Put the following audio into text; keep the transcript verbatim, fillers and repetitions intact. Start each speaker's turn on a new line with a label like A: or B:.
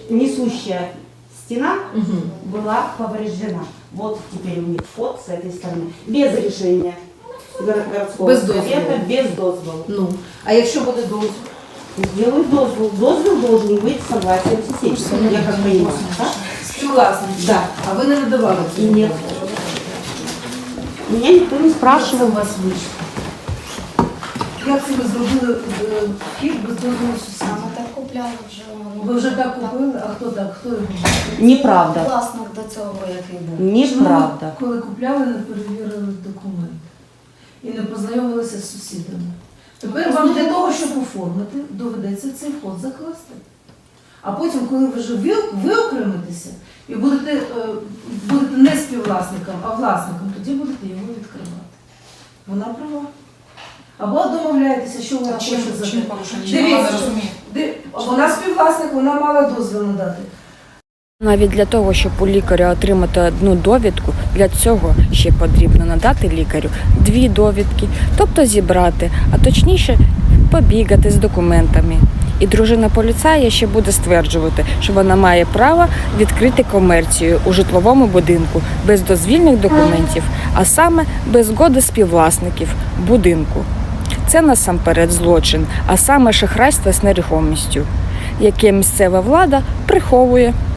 A: несущая стена
B: Угу.
A: была повреждена. Вот теперь у них вход с этой стороны. Без решения горо- городского
B: Без
A: совета,
B: дозволу.
A: без дозволу.
B: Ну, а якщо буде дозвіл?
A: Сделают дозвол. Дозвол должен быть согласием соседей. Я как понимаю, да?
B: Співвласник.
A: Да.
B: А ви не надавали цього?
A: Нет. Меня никто не спрашивал.
B: у вас вийшло? Як це ви зробили е, вхід без дозволу сусідів?
C: Саме так купляли вже. ну,
B: Ви вже так купили? А хто так? Хто його?
A: Неправда.
C: Власник до цього, який був.
A: Неправда.
B: Чому ви, коли купляли, не перевірили документи і не познайомилися з сусідами? Тепер вам для того, щоб оформити, доведеться цей вход закласти. А потім, коли ви вже ви- виокремитеся і будете, е, будете не співвласником, а власником, тоді будете його відкривати. Вона права. Або домовляєтеся, що вона хоче за
D: Чим
B: те.
D: порушення?
B: Дивіться,
D: Я не розумію.
B: Ди- Вона співвласник, вона мала дозвіл надати.
E: Навіть для того, щоб у лікаря отримати одну довідку, для цього ще потрібно надати лікарю дві довідки, тобто зібрати, а точніше побігати з документами. І дружина поліцая ще буде стверджувати, що вона має право відкрити комерцію у житловому будинку без дозвільних документів, а саме без згоди співвласників будинку. Це насамперед злочин, а саме шахрайство з нерухомістю, яке місцева влада приховує.